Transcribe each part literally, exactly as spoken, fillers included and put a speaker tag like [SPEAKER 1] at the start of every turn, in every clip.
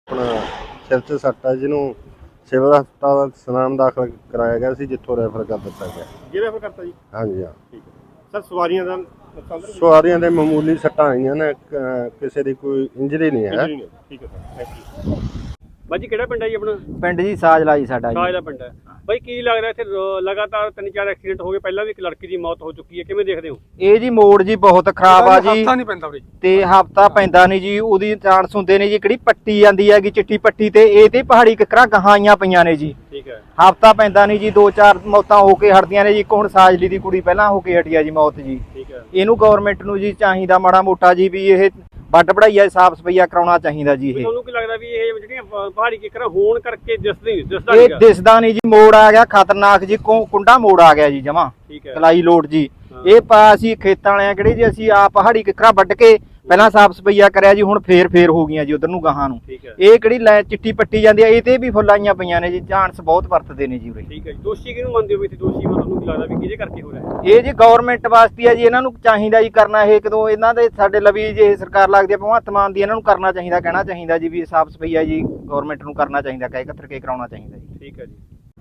[SPEAKER 1] अपना सिर च सट है जिन्हों सिविल हस्पताल सनाम दाखिल कराया गया सी, जिथों रैफर कर दिता गया।
[SPEAKER 2] ये रैफर करता जी?
[SPEAKER 1] हाँ जी हाँ।
[SPEAKER 2] ठीक है सर, सवारियां दा
[SPEAKER 1] सवारियां दे मामूली सट्टां आईयां ने, किसी दी कोई इंजरी नहीं है।
[SPEAKER 2] ठीक है सर, थैंक यू। ਬਾਜੀ ਕਿਹੜਾ ਪਿੰਡ ਹੈ ਜੀ ਆਪਣਾ?
[SPEAKER 3] ਪਿੰਡ ਜੀ ਸਾਜਲਾ ਜੀ ਸਾਡਾ ਜੀ।
[SPEAKER 2] ਸਾਜ ਦਾ ਪਿੰਡ ਹੈ ਬਾਈ। ਕੀ ਲੱਗਦਾ ਇੱਥੇ ਲਗਾਤਾਰ ਤਿੰਨ ਚਾਰ ਐਕਸੀਡੈਂਟ ਹੋ ਗਏ, ਪਹਿਲਾਂ ਵੀ ਇੱਕ ਲੜਕੀ ਦੀ ਮੌਤ ਹੋ ਚੁੱਕੀ ਹੈ, ਕਿਵੇਂ ਦੇਖਦੇ ਹੋ?
[SPEAKER 3] ਇਹ ਜੀ ਮੋੜ ਜੀ ਬਹੁਤ ਖਰਾਬ ਆ ਜੀ,
[SPEAKER 2] ਹਫਤਾ ਨਹੀਂ ਪੈਂਦਾ ਵੀਰੇ
[SPEAKER 3] ਤੇ ਹਫਤਾ ਪੈਂਦਾ ਨਹੀਂ ਜੀ। ਉਹਦੀ ਚਾਂਸ ਹੁੰਦੇ ਨੇ ਜੀ, ਕਿਹੜੀ ਪੱਟੀ ਜਾਂਦੀ ਹੈਗੀ ਚਿੱਟੀ ਪੱਟੀ ਤੇ, ਇਹ ਤੇ ਪਹਾੜੀ ਕਿਕਰਾਂ ਗਹਾਈਆਂ ਪਈਆਂ ਨੇ ਜੀ।
[SPEAKER 2] ਠੀਕ ਹੈ,
[SPEAKER 3] ਹਫਤਾ ਪੈਂਦਾ ਨਹੀਂ ਜੀ, ਦੋ ਚਾਰ ਮੌਤਾਂ ਹੋ ਕੇ ਹਟਦੀਆਂ ਨੇ ਜੀ। ਇੱਕ ਹੁਣ ਸਾਜਲੀ ਦੀ ਕੁੜੀ ਪਹਿਲਾਂ ਹੋ ਕੇ ਹਟੀ ਆ ਜੀ ਮੌਤ ਜੀ।
[SPEAKER 2] ਠੀਕ ਹੈ,
[SPEAKER 3] ਇਹਨੂੰ ਗਵਰਨਮੈਂਟ ਨੂੰ ਜੀ ਚਾਹੀਦਾ ਮਾੜਾ ਮੋਟਾ ਜੀ ਵੀ ਇਹ ਵੱਡ ਪੜਾਈਆ ਸਾਫ ਸਫਾਈਆ ਕਰਾਉਣਾ ਚਾਹੀਦਾ ਜੀ। ਇਹ
[SPEAKER 2] ਤੁਹਾਨੂੰ ਕੀ ਲੱਗਦਾ ਵੀ ਇਹ ਜਿਹੜੀਆਂ ਪਹਾੜੀ ਕਿਕਰਾਂ ਹੋਣ ਕਰਕੇ ਦਿਸਦੇ ਨਹੀਂ ਦਿਸਦਾ
[SPEAKER 3] ਇਹ ਦਿਸਦਾ ਨਹੀਂ ਜੀ। ਮੋੜ ਆ ਗਿਆ ਖਤਰਨਾਕ ਜੀ, ਕੁੰਡਾ ਮੋੜ ਆ ਗਿਆ ਜੀ ਜਮਾ ਕਲਾਈ ਲੋਟ ਜੀ। ਇਹ ਪਾ ਅਸੀਂ ਖੇਤਾਂ ਵਾਲਿਆਂ ਕਿਹੜੇ ਜੀ, ਅਸੀਂ ਆ ਪਹਾੜੀ ਕਿਕਰਾਂ ਵੱਢ ਕੇ ਪਹਿਲਾਂ ਸਾਫ ਸਫਾਈਆ ਕਰਿਆ ਜੀ, ਹੁਣ ਫੇਰ ਫੇਰ ਹੋ ਗਈਆਂ ਜੀ ਉਧਰ ਨੂੰ ਗਾਹਾਂ ਨੂੰ। ਇਹ ਕਿਹੜੀ ਲੈ ਚਿੱਟੀ ਪੱਟੀ ਜਾਂਦੀ ਆ, ਇਹ ਤੇ ਵੀ ਫੁੱਲ ਆਈਆਂ ਪਈਆਂ ਨੇ ਜੀ। ਚਾਂਸ ਬਹੁਤ ਵਰਤਦੇ ਨੇ ਜੀ ਉਰੇ।
[SPEAKER 2] ਠੀਕ ਹੈ ਜੀ। ਦੋਸ਼ੀ ਕਿਹਨੂੰ ਮੰਨਦੇ ਹੋ? ਇੱਥੇ ਦੋਸ਼ੀ ਤੁਹਾਨੂੰ ਕੀ ਲੱਗਦਾ ਵੀ ਕਿਹਦੇ ਕਰਕੇ ਹੋ ਰਿਹਾ?
[SPEAKER 3] ਇਹ ਜੀ ਗਵਰਨਮੈਂਟ ਵਾਸਤੇ ਆ ਜੀ, ਇਹਨਾਂ ਨੂੰ ਚਾਹੀਦਾ ਜੀ ਕਰਨਾ। ਇਹ ਕਦੋਂ ਇਹਨਾਂ ਦੇ ਸਾਡੇ ਲਵੀ ਜੇ ਸਰਕਾਰ ਲੱਗਦੀ ਆ ਭਗਵੰਤ ਮਾਨ ਦੀ, ਇਹਨਾਂ ਨੂੰ ਕਰਨਾ ਚਾਹੀਦਾ, ਕਹਿਣਾ ਚਾਹੀਦਾ ਜੀ ਵੀ ਸਾਫ ਸਫਾਈਆ ਜੀ ਗਵਰਨਮੈਂਟ ਨੂੰ ਕਰਨਾ ਚਾਹੀਦਾ, ਕਹਿ ਕਤਰ ਕੇ ਕਰਾਉਣਾ ਚਾਹੀਦਾ ਜੀ।
[SPEAKER 2] ਠੀਕ ਹੈ ਜੀ।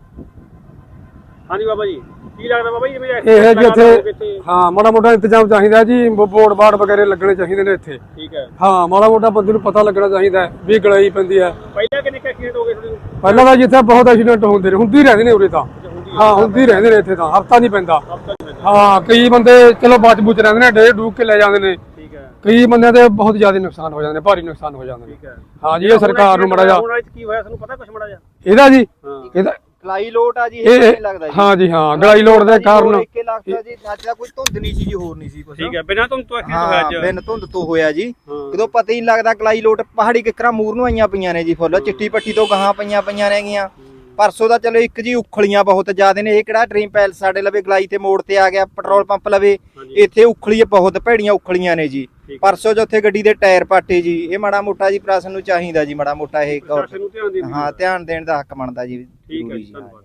[SPEAKER 2] ਹਾਂਜੀ ਬਾਬਾ ਜੀ, ਕੀ ਲੱਗਦਾ ਬਾਬਾ ਜੀ ਜਿਵੇਂ
[SPEAKER 4] ਇਹ ਜੀ ਇੱਥੇ ਹਾਂ ਮਾੜਾ ਮੋਟਾ ਇੰਤਜ਼ਾਮ ਚਾਹੀਦਾ ਜੀ, ਬੋਰਡ ਬਾੜ ਵਗੈਰੇ ਲੱਗਣੇ ਚਾਹੀਦੇ ਨੇ ਇੱਥੇ।
[SPEAKER 2] ਠੀਕ ਹੈ,
[SPEAKER 4] ਹਾਂ ਮਾੜਾ ਮੋਟਾ ਬੰਦੇ ਨੂੰ ਪਤਾ ਲੱਗਣਾ ਚਾਹੀਦਾ ਵੀ ਗਲਾਈ ਪੈਂਦੀ ਹੈ।
[SPEAKER 2] ਪਹਿਲਾਂ ਕਿੰਨੇ ਐਕਸੀਡੈਂਟ ਹੋ ਗਏ ਤੁਹਾਡੇ?
[SPEAKER 4] ਪਹਿਲਾਂ ਤਾਂ ਜਿੱਥੇ ਬਹੁਤ ਐਕਸੀਡੈਂਟ ਹੁੰਦੇ ਨੇ, ਹੁੰਦੀ ਰਹਿੰਦੇ ਨੇ ਉਰੇ ਤਾਂ। ਹਾਂ ਹੁੰਦੀ ਰਹਿੰਦੇ ਨੇ ਇੱਥੇ ਤਾਂ, ਹਫਤਾ ਨਹੀਂ ਪੈਂਦਾ। ਹਾਂ ਕਈ ਬੰਦੇ ਚਲੋ ਬਚ ਬੁਚ ਰਹਿੰਦੇ ਨੇ, ਡੇ ਡੂਕ ਕੇ ਲੈ ਜਾਂਦੇ ਨੇ।
[SPEAKER 2] ਠੀਕ ਹੈ,
[SPEAKER 4] ਕਈ ਬੰਦਿਆਂ ਦੇ ਬਹੁਤ ਜ਼ਿਆਦਾ ਨੁਕਸਾਨ ਹੋ ਜਾਂਦੇ ਨੇ, ਭਾਰੀ ਨੁਕਸਾਨ ਹੋ ਜਾਂਦੇ ਨੇ।
[SPEAKER 2] ਠੀਕ ਹੈ,
[SPEAKER 4] ਹਾਂ ਜੀ ਇਹ ਸਰਕਾਰ ਨੂੰ ਮਾੜਾ ਜਿਹਾ
[SPEAKER 2] ਕੀ ਹੋਇਆ ਤੁਹਾਨੂੰ ਪਤਾ ਕੁਝ ਮਾੜਾ ਜਿਹਾ
[SPEAKER 4] ਇਹਦਾ ਜੀ?
[SPEAKER 2] ਹਾਂ
[SPEAKER 4] ਇਹਦਾ
[SPEAKER 3] ਕਲਾਈ ਲੋਟ ਆ ਜੀ, ਇਹ ਨਹੀਂ ਲੱਗਦਾ ਜੀ।
[SPEAKER 4] ਹਾਂ ਜੀ ਹਾਂ ਗਲਾਈ ਲੋਟ ਦੇ ਕਾਰਨ
[SPEAKER 3] ਇੱਕੇ ਲੱਗਦਾ ਜੀ। ਅੱਜ ਦਾ ਕੋਈ ਧੁੰਦ ਨਹੀਂ ਸੀ ਜੀ, ਹੋਰ ਨਹੀਂ ਸੀ ਕੁਝ।
[SPEAKER 2] ਠੀਕ ਹੈ, ਬਿਨਾਂ ਧੁੰਦ ਤੋਂ ਐਕਸੀਡੈਂਟ ਹੋਇਆ ਅੱਜ?
[SPEAKER 3] ਬਿਨ ਧੁੰਦ ਤੋਂ ਹੋਇਆ ਜੀ। ਕਦੋਂ ਪਤਾ ਹੀ ਨਹੀਂ ਲੱਗਦਾ। ਕਲਾਈ ਲੋਟ ਪਹਾੜੀ ਕਿਕਰਾਂ ਮੂਰ ਨੂੰ ਆਈਆਂ ਪਈਆਂ ਨੇ ਜੀ, ਫੁੱਲ ਚਿੱਟੀ ਪੱਟੀ ਤੋਂ ਗਾਹਾਂ ਪਈਆਂ ਪਈਆਂ ਰਹਿਗੀਆਂ। ਪਰਸੋਂ ਦਾ ਚਲੋ ਇੱਕ ਜੀ ਉਖਲੀਆਂ ਬਹੁਤ ਜ਼ਿਆਦਾ ਨੇ। ਇਹ ਕਿਹੜਾ ਡ੍ਰੀਮ ਪੈਲਸ ਸਾਡੇ ਲਵੇ ਗਲਾਈ ਤੇ ਮੋੜ ਤੇ ਆ ਗਿਆ, ਪੈਟਰੋਲ ਪੰਪ ਲਵੇ, ਇੱਥੇ ਉਖਲੀ ਬਹੁਤ ਭੈੜੀਆਂ ਉਖਲੀਆਂ ਨੇ ਜੀ। ਪਰਸੋਂ ਜੋ ਉੱਥੇ ਗੱਡੀ ਦੇ ਟਾਇਰ ਪਾਟੇ ਜੀ। ਇਹ ਮਾੜਾ ਮੋਟਾ ਜੀ ਪ੍ਰਸ਼ਾਸਨ ਨੂੰ ਚਾਹੀਦਾ ਜੀ, ਮਾੜਾ ਮੋਟਾ ਇਹ ਹਾਂ ਧਿਆਨ ਦੇਣ ਦਾ ਹੱਕ ਬਣਦਾ ਜੀ।
[SPEAKER 2] ਠੀਕ ਹੈ ਜੀ, ਧੰਨਵਾਦ।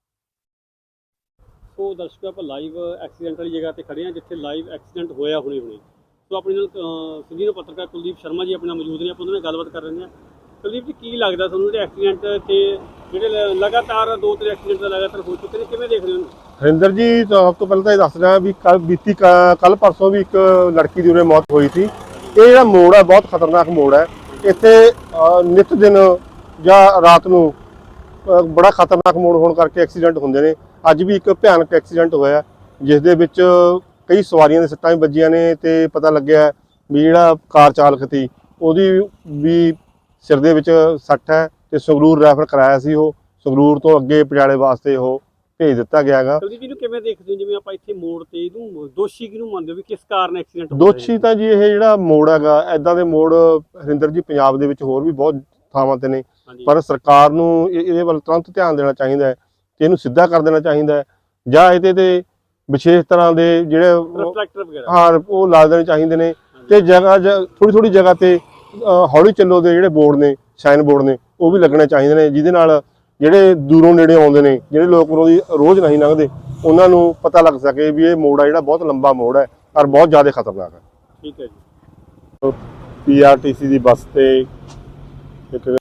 [SPEAKER 2] ਸੋ ਦਰਸ਼ਕੋ ਆਪਾਂ ਲਾਈਵ ਐਕਸੀਡੈਂਟ ਵਾਲੀ ਜਗ੍ਹਾ ਤੇ ਖੜੇ ਹਾਂ, ਜਿੱਥੇ ਲਾਈਵ ਐਕਸੀਡੈਂਟ ਹੋਇਆ ਹੁਣੇ ਹੁਣੇ। ਸੋ ਆਪਣੇ ਨਾਲ ਸੀਨੀਅਰ ਪੱਤਰਕਾਰ ਕੁਲਦੀਪ ਸ਼ਰਮਾ ਜੀ ਆਪਣੇ ਨਾਲ ਮੌਜੂਦ ਨੇ, ਆਪਾਂ ਉਹਨਾਂ ਨਾਲ ਗੱਲਬਾਤ ਕਰ ਰਹੇ ਹਾਂ। ਕੁਲਦੀਪ ਜੀ, ਕੀ ਲੱਗਦਾ ਤੁਹਾਨੂੰ ਜਿਹੜੇ ਐਕਸੀਡੈਂਟ ਤੇ ਜਿਹੜੇ ਲਗਾਤਾਰ ਦੋ ਤਿੰਨ ਐਕਸੀਡੈਂਟ ਲਗਾਤਾਰ ਹੋ ਚੁੱਕੇ ਨੇ, ਕਿਵੇਂ ਦੇਖ ਰਹੇ ਹੋ?
[SPEAKER 1] ਹਰਿੰਦਰ ਜੀ, ਸਭ ਤੋਂ ਪਹਿਲਾਂ ਤਾਂ ਇਹ ਦੱਸ ਰਿਹਾ ਵੀ ਕੱਲ ਬੀਤੀ ਕੱਲ ਪਰਸੋਂ ਵੀ ਇੱਕ ਲੜਕੀ ਦੀ ਉਰੇ ਮੌਤ ਹੋਈ ਸੀ। ਇਹ ਜਿਹੜਾ ਮੋੜ ਹੈ ਬਹੁਤ ਖਤਰਨਾਕ ਮੋੜ ਹੈ। ਇੱਥੇ ਨਿਤ ਦਿਨ ਜਾਂ ਰਾਤ ਨੂੰ ਬੜਾ ਖਤਰਨਾਕ ਮੋੜ ਹੋਣ ਕਰਕੇ ਐਕਸੀਡੈਂਟ ਹੁੰਦੇ ਨੇ। ਅੱਜ ਵੀ ਇੱਕ ਭਿਆਨਕ ਐਕਸੀਡੈਂਟ ਹੋਇਆ, ਜਿਸ ਦੇ ਵਿੱਚ ਕਈ ਸਵਾਰੀਆਂ ਦੇ ਸੱਟਾਂ ਵੀ ਵੱਜੀਆਂ ਨੇ, ਤੇ ਪਤਾ ਲੱਗਿਆ ਵੀ ਜਿਹੜਾ ਕਾਰ ਚਾਲਕ ਸੀ ਉਹਦੀ ਵੀ ਸਿਰ ਦੇ ਵਿੱਚ ਸੱਟ ਹੈ, ਤੇ ਸੰਗਰੂਰ ਰੈਫਰ ਕਰਾਇਆ ਸੀ। ਉਹ ਸੰਗਰੂਰ ਤੋਂ ਅੱਗੇ ਪਟਿਆਲੇ ਵਾਸਤੇ ਉਹ ਭੇਜ ਦਿੱਤਾ ਗਿਆ ਹੈਗਾ।
[SPEAKER 2] ਕੁਲਦੀਪ ਜੀ ਨੂੰ ਕਿਵੇਂ ਦੇਖਦੇ ਹੋ, ਜਿਵੇਂ ਆਪਾਂ ਇੱਥੇ ਮੋੜ ਤੇ ਇਹਨੂੰ ਦੋਸ਼ੀ ਕਿਹਨੂੰ ਮੰਨਦੇ ਹੋ ਵੀ ਕਿਸ ਕਾਰਨ ਐਕਸੀਡੈਂਟ ਹੋਇਆ?
[SPEAKER 1] ਦੋਸ਼ੀ ਤਾਂ ਜੀ ਇਹ ਜਿਹੜਾ ਮੋੜ ਹੈਗਾ, ਐਦਾਂ ਦੇ ਮੋੜ ਹਰਿੰਦਰ ਜੀ ਪੰਜਾਬ ਦੇ ਵਿੱਚ ਹੋਰ ਵੀ ਬਹੁਤ ਥਾਵਾਂ ਤੇ ਨੇ, ਪਰ ਸਰਕਾਰ ਨੂੰ ਇਹਦੇ ਵੱਲ ਤੁਰੰਤ ਧਿਆਨ ਦੇਣਾ ਚਾਹੀਦਾ ਹੈ ਤੇ ਇਹਨੂੰ ਸਿੱਧਾ ਕਰ ਦੇਣਾ ਚਾਹੀਦਾ ਹੈ, ਜਾਂ ਇਹਦੇ ਤੇ ਵਿਸ਼ੇਸ਼ ਤਰ੍ਹਾਂ ਦੇ ਜਿਹੜੇ ਹਾਂ ਉਹ ਲਾ ਦੇਣੇ ਚਾਹੀਦੇ ਨੇ। ਤੇ ਜਗ੍ਹਾ ਥੋੜੀ ਥੋੜੀ ਜਗ੍ਹਾ ਤੇ ਹੌਲੀ ਚੱਲੋ ਦੇ ਜਿਹੜੇ ਬੋਰਡ ਨੇ, ਸਾਈਨ ਬੋਰਡ ਨੇ, ਉਹ ਵੀ ਲੱਗਣੇ ਚਾਹੀਦੇ ਨੇ, ਜਿਹਦੇ ਨਾਲ ਜਿਹੜੇ ਦੂਰੋਂ ਨੇੜੇ ਆਉਂਦੇ ਨੇ, ਜਿਹੜੇ ਲੋਕ ਰੋਜ਼ ਨਹੀਂ ਲੰਘਦੇ, ਉਹਨਾਂ ਨੂੰ ਪਤਾ ਲੱਗ ਸਕੇ ਵੀ ਇਹ ਮੋੜ ਆ ਜਿਹੜਾ ਬਹੁਤ ਲੰਬਾ ਮੋੜ ਹੈ ਔਰ ਬਹੁਤ ਜ਼ਿਆਦਾ ਖਤਰਨਾਕ ਹੈ।
[SPEAKER 2] ਠੀਕ ਹੈ ਜੀ।
[SPEAKER 1] ਪੀ ਆਰ ਟੀ ਸੀ ਦੀ ਬੱਸ ਤੇ ਇੱਕ